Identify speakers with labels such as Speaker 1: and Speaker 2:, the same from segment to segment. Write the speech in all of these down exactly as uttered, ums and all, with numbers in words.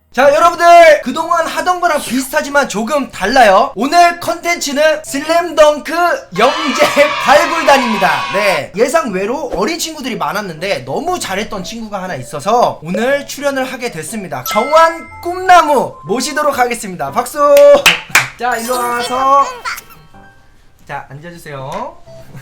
Speaker 1: 자, 여러분들 그동안 하던 거랑 비슷하지만 조금 달라요. 오늘 컨텐츠는 슬램덩크 영재 발굴단입니다. 네, 예상 외로 어린 친구들이 많았는데 너무 잘했던 친구가 하나 있어서 오늘 출연을 하게 됐습니다. 정환 꿈나무 모시도록 하겠습니다. 박수. 자, 일로 와서 자, 앉아주세요.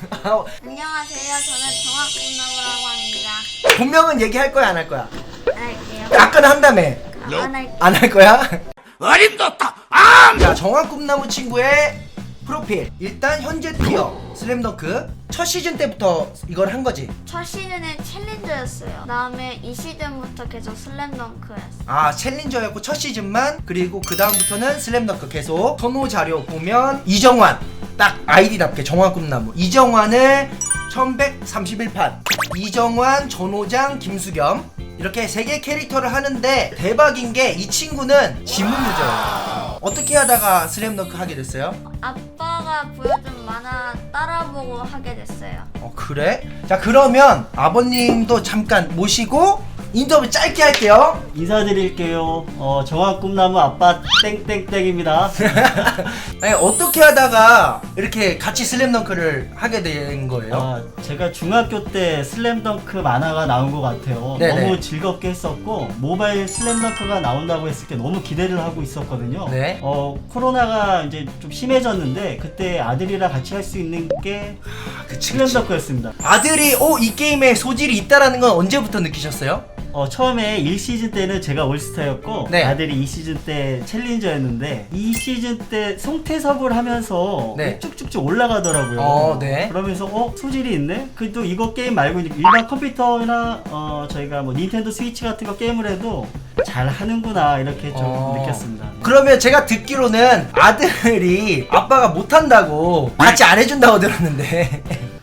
Speaker 2: 안녕하세요. 저는 정학꿈나무라고 합니다.
Speaker 1: 본명은 얘기할 거야, 안 할 거야?
Speaker 2: 안 할게요.
Speaker 1: 아까는 한다며.
Speaker 2: 안 할게요.
Speaker 1: 안 할 거야? 어림도없다. 아! 자, 정한 꿈나무 친구의 프로필. 일단 현재 티어 슬램덩크 첫 시즌 때부터 이걸 한 거지.
Speaker 2: 첫 시즌은 챌린저였어요. 다음에 이 시즌부터 계속 슬램덩크였어요.
Speaker 1: 아, 챌린저였고 첫 시즌만. 그리고 그 다음부터는 슬램덩크 계속. 선호 자료 보면 이정환, 딱 아이디답게 정한 꿈나무. 이정환을 천백삼십일 판. 이정환, 전호장, 김수겸. 이렇게 세 개 캐릭터를 하는데 대박인 게 이 친구는 지문무저예요. 어떻게 하다가 슬램덩크 하게 됐어요?
Speaker 2: 아빠가 보여준 만화 따라보고 하게 됐어요.
Speaker 1: 어, 그래? 자, 그러면 아버님도 잠깐 모시고 인터뷰 짧게 할게요.
Speaker 3: 인사드릴게요. 어, 정한 꿈나무 아빠 땡땡땡입니다.
Speaker 1: 아니, 어떻게 하다가 이렇게 같이 슬램덩크를 하게 된 거예요?
Speaker 3: 아, 제가 중학교 때 슬램덩크 만화가 나온 것 같아요.
Speaker 1: 네네.
Speaker 3: 너무 즐겁게 했었고 모바일 슬램덩크가 나온다고 했을 때 너무 기대를 하고 있었거든요.
Speaker 1: 네.
Speaker 3: 어, 코로나가 이제 좀 심해졌는데 그때 아들이랑 같이 할 수 있는 게
Speaker 1: 아, 그치, 그치.
Speaker 3: 슬램덩크였습니다.
Speaker 1: 아들이 어, 이 게임에 소질이 있다라는 건 언제부터 느끼셨어요?
Speaker 3: 어, 처음에 일 시즌 때는 제가 올스타였고
Speaker 1: 네.
Speaker 3: 아들이 이 시즌 때 챌린저였는데 이 시즌 때 송태섭을 하면서
Speaker 1: 네.
Speaker 3: 쭉쭉쭉 올라가더라고요.
Speaker 1: 어, 네.
Speaker 3: 그러면서 어? 소질이 있네? 그래도 이거 게임 말고 일반 컴퓨터나 어, 저희가 뭐 닌텐도 스위치 같은 거 게임을 해도 잘 하는구나 이렇게 좀
Speaker 1: 어.
Speaker 3: 느꼈습니다.
Speaker 1: 그러면 제가 듣기로는 아들이 아빠가 못한다고 같이 안 해준다고 들었는데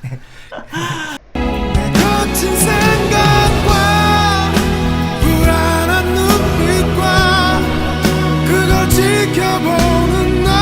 Speaker 4: 거친 생각과 불안한 눈빛과 그걸 지켜보는 너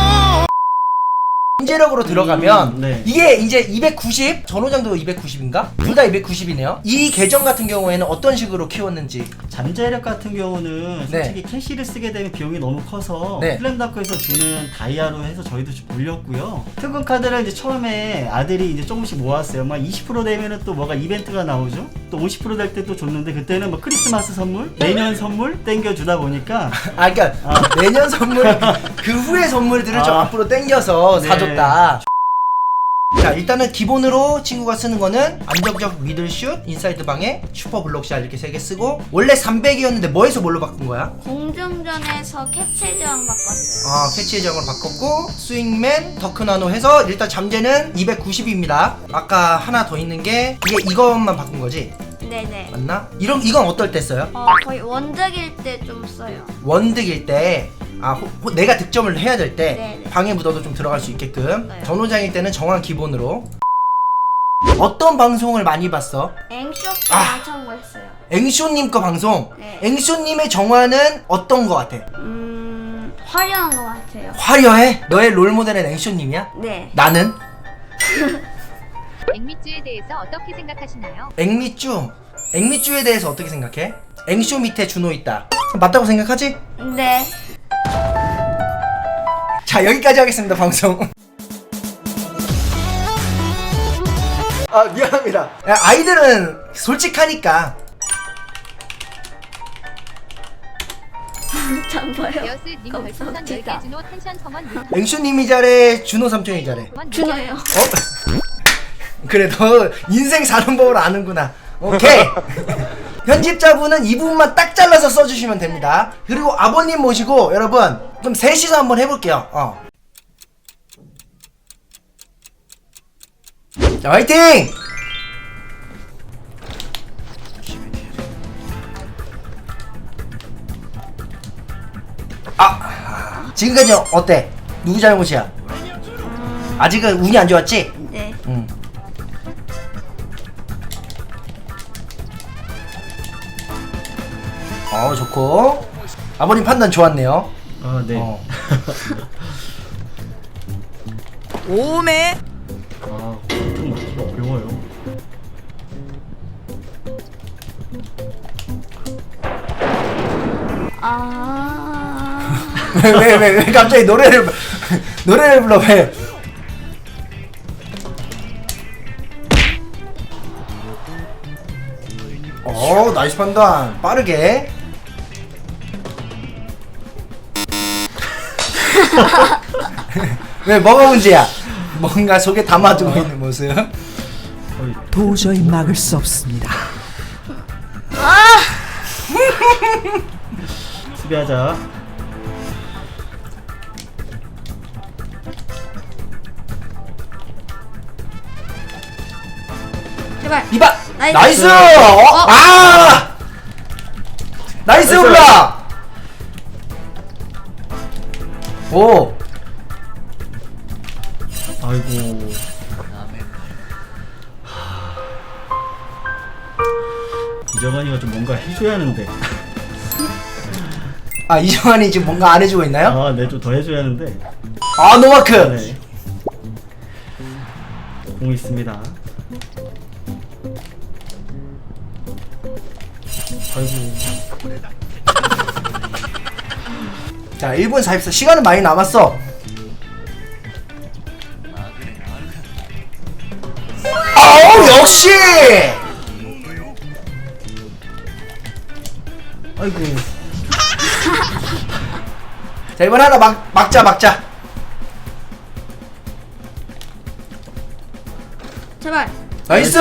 Speaker 1: 문제력으로 들어가면
Speaker 3: 음, 네.
Speaker 1: 이게 이제 이백구십, 전호장도 이백구십인가? 둘 다 이백구십이네요. 이 계정 같은 경우에는 어떤 식으로 키웠는지.
Speaker 3: 잠재력 같은 경우는
Speaker 1: 네.
Speaker 3: 솔직히 캐시를 쓰게 되면 비용이 너무 커서
Speaker 1: 네.
Speaker 3: 슬램덩크에서 주는 다이아로 해서 저희도 좀 올렸고요. 특은 카드를 이제 처음에 아들이 이제 조금씩 모았어요. 막 이십 퍼센트 되면은 또 뭐가 이벤트가 나오죠. 또 오십 퍼센트 될 때 또 줬는데 그때는 뭐 크리스마스 선물, 내년 선물 땡겨 주다 보니까
Speaker 1: 아, 그러니까
Speaker 3: 아.
Speaker 1: 내년 선물 그 후의 선물들을 좀
Speaker 3: 아.
Speaker 1: 앞으로 당겨서
Speaker 3: 네.
Speaker 1: 사줬다. 자, 일단은 기본으로 친구가 쓰는 거는 안정적 미들슛, 인사이드 방에 슈퍼 블록샷 이렇게 세 개 쓰고 원래 삼백이었는데 뭐에서 뭘로 바꾼 거야?
Speaker 2: 공중전에서 캐치 제왕 바꿨어요.
Speaker 1: 아, 캐치의 정을 바꿨고 스윙맨, 더크나노 해서 일단 잠재는 이백구십입니다. 아까 하나 더 있는 게 이게 이것만 바꾼 거지?
Speaker 2: 네네.
Speaker 1: 맞나? 이런 이건 어떨 때 써요?
Speaker 2: 어, 거의 원작일 때 좀 써요.
Speaker 1: 원득일 때, 아, 호, 호- 내가 득점을 해야 될 때
Speaker 2: 네네.
Speaker 1: 방에 묻어도 좀 들어갈 수 있게끔.
Speaker 2: 네.
Speaker 1: 전호장일 때는 정한 기본으로. 어떤 방송을 많이 봤어?
Speaker 2: 앵쇼도
Speaker 1: 아.
Speaker 2: 엄청 했어요.
Speaker 1: 앵쇼님 거 방송.
Speaker 2: 네.
Speaker 1: 앵쇼님의 정화는 어떤 거 같아?
Speaker 2: 음... 화려한 것 같아요.
Speaker 1: 화려해? 너의 롤모델은 앵쇼님이야?
Speaker 2: 네.
Speaker 1: 나는?
Speaker 5: 앵미쭈에 대해서 어떻게 생각하시나요?
Speaker 1: 앵미쭈. 앵미쭈에 대해서 어떻게 생각해? 앵쇼 밑에 준호 있다. 맞다고 생각하지?
Speaker 2: 네.
Speaker 1: 자, 여기까지 하겠습니다, 방송. 아, 미안합니다. 야, 아이들은 솔직하니까.
Speaker 2: 잠봐요.
Speaker 5: 여스님 별풍선 열 개
Speaker 2: 감사합니다.
Speaker 5: 준호 텐션 성원
Speaker 1: 앵쇼님이 잘해, 준호 삼촌이 잘해.
Speaker 2: 준호요.
Speaker 1: 어? 그래, 너 인생 사는 법을 아는구나. 오케이. 편집자분은 이 부분만 딱 잘라서 써주시면 됩니다. 그리고 아버님 모시고 여러분 좀 셋이서 한번 해볼게요. 어. 자, 화이팅! 아, 지금까지 어때? 누구 잘못이야? 아직은 운이 안 좋았지?
Speaker 2: 네.
Speaker 1: 응. 어, 좋고. 아버님 판단 좋았네요.
Speaker 3: 아, 네.
Speaker 1: 어.
Speaker 6: 오메
Speaker 3: 아, 좀 맞기가 어려워요.
Speaker 2: 아 아.
Speaker 1: 왜 왜 왜 왜 갑자기 노래를 노래를 불러 왜? 어 나이스 판단 빠르게. 왜 뭐가 문제야? 뭔가 속에 담아두고 있는 모습.
Speaker 7: 도저히 막을 수 없습니다.
Speaker 3: 수비하자.
Speaker 2: 제발.
Speaker 1: 이봐
Speaker 2: 나이스.
Speaker 1: 나이스. 어? 아 나이스
Speaker 3: 나이스.
Speaker 1: 올라. 오
Speaker 3: 아이고. 이정환이가 좀 뭔가 해줘야 하는데.
Speaker 1: 아 이정환이 지금 뭔가 안 해주고 있나요?
Speaker 3: 아, 네, 좀 더 해줘야 하는데.
Speaker 1: 아 노마크.
Speaker 3: 네. 공 있습니다. 아이고.
Speaker 1: 자 일 분 사십사 시간은 많이 남았어. 아우 역시.
Speaker 3: 아이고.
Speaker 1: 자 이번 하나 막 막자 막자.
Speaker 2: 제발.
Speaker 1: 나이스.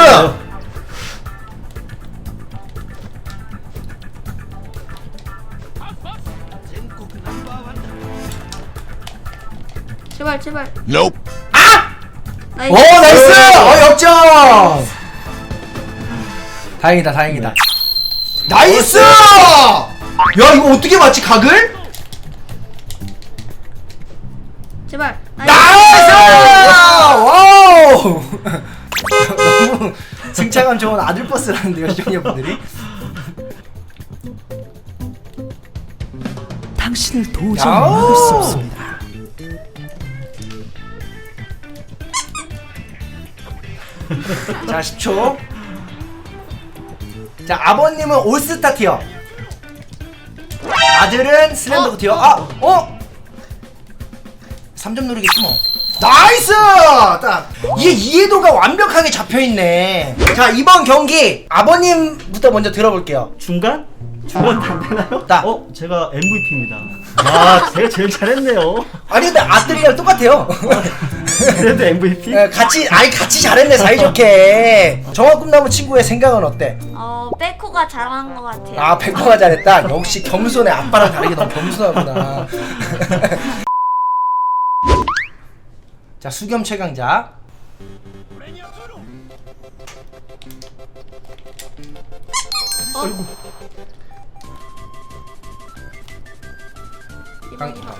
Speaker 2: 제발 제발.
Speaker 4: Nope.
Speaker 2: 나이스.
Speaker 1: 오 나이스. 어 역전. 다행이다 다행이다. 나이스. 야 이거 어떻게 맞지 각을?
Speaker 2: 제발.
Speaker 1: 나이스. 와우. 너무 승차감 좋은 아들 버스라는데요 시청자분들이.
Speaker 7: 당신을 도저히
Speaker 1: 야오!
Speaker 7: 막을 수 없습니다.
Speaker 1: 자 십 초. 자 아버님은 올스타 티어, 아들은 슬램덩크 티어. 아! 어? 삼 점 누르겠지 뭐. 나이스! 딱 이게 이해도가 완벽하게 잡혀있네. 자 이번 경기 아버님부터 먼저 들어볼게요.
Speaker 3: 중간? 중간 안 되나요?
Speaker 1: 딱.
Speaker 3: 어, 제가 엠브이피입니다. 아, 제가 제일 잘했네요.
Speaker 1: 아니 근데 아들이랑 똑같아요.
Speaker 3: 그래도 엠브이피?
Speaker 1: 예, 같이 아니 같이 잘했네 사이좋게. 정화 꿈나무 친구의 생각은 어때?
Speaker 2: 어 빼코가 잘한 것 같아요.
Speaker 1: 아 백호가 잘했다. 역시 겸손해. 아빠랑 다르게 너무 겸손하구나. 자 수겸 최강자.
Speaker 2: 어?
Speaker 1: 강-
Speaker 2: 이번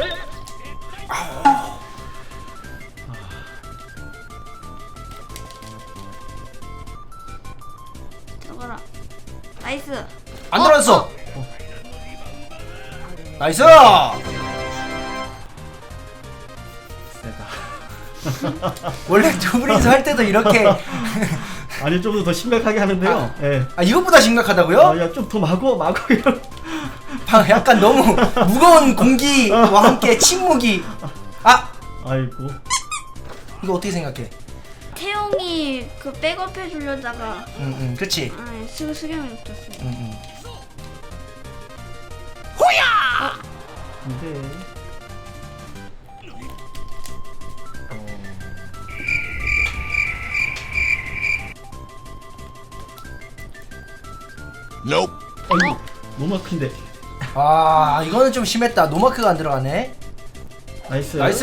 Speaker 2: 들어가라. 나이스.
Speaker 1: 안 들어왔어. 나이스.
Speaker 3: 세다.
Speaker 1: 원래 두 분이서 할 때도 이렇게.
Speaker 3: 아니, 좀 더 심각하게 하는데요. 예.
Speaker 1: 아 이것보다 심각하다고요?
Speaker 3: 아, 야, 좀 더 마구, 마구 이런.
Speaker 1: 방- 약간 너무 무거운 공기와 함께 침묵이. 아
Speaker 3: 아이고.
Speaker 1: 이거 어떻게 생각해?
Speaker 2: 태용이 그 백업 해주려다가
Speaker 1: 응응 그렇지.
Speaker 2: 아 수 수경이 붙었어요.
Speaker 1: 응응.
Speaker 3: 근데.
Speaker 4: Nope.
Speaker 3: 아이고. 너무 큰데.
Speaker 1: 아 이거는 좀 심했다. 노마크가 안 들어가네.
Speaker 3: 나이스.
Speaker 1: 나이스.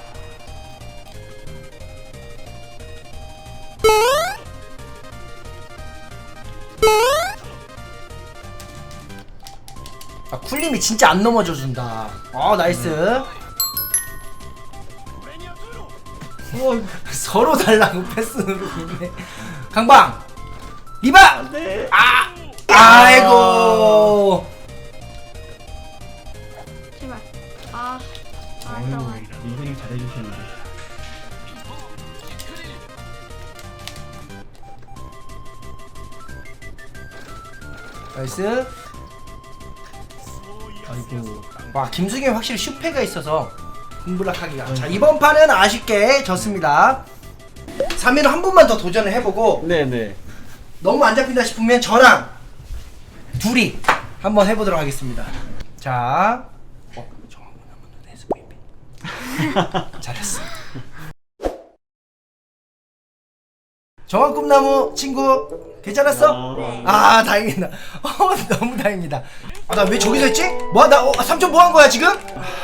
Speaker 1: 아 쿨림이 진짜 안 넘어져 준다. 아 나이스.
Speaker 3: 어,
Speaker 1: 서로 달라고 패스 누르고 있네. 강방 리바.
Speaker 3: 네.
Speaker 1: 아 아이고.
Speaker 2: 제발. 아. 아
Speaker 3: 아이고,
Speaker 2: 들어가.
Speaker 3: 이분이 잘해주셨는데.
Speaker 1: 나이스. 아이고. 와 김승현이 확실히 슈페가 있어서 공불락하기가. 자 이번 판은 아쉽게 졌습니다. 삼 위로 한 번만 더 도전을 해보고
Speaker 3: 네네.
Speaker 1: 너무 안 잡힌다 싶으면 저랑 둘이 한번 해보도록 하겠습니다. 자, 어, 정한 꿈나무 에스브이피 잘했어. 정한 꿈나무 친구 괜찮았어?
Speaker 2: 네.
Speaker 1: 아 다행이다. 어, 너무 다행이다. 아, 나 왜 저기서 했지? 뭐야 나 어, 삼촌 뭐 한 거야 지금?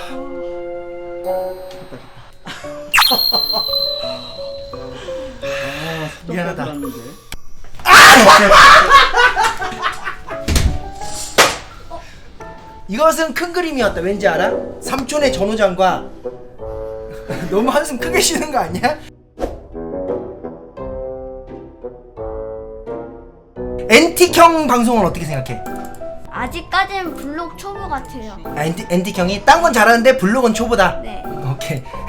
Speaker 1: 미안하다. 이것은 큰 그림이었다. 왠지 알아? 삼촌의 전우장과 너무 한숨 크게 쉬는 거 아니야? 엔틱형 방송은 어떻게 생각해?
Speaker 2: 아직까지는 블록 초보 같아요.
Speaker 1: 아, 엔틱, 엔틱형이 딴 건 잘하는데 블록은 초보다.
Speaker 2: 네.
Speaker 1: 오케이.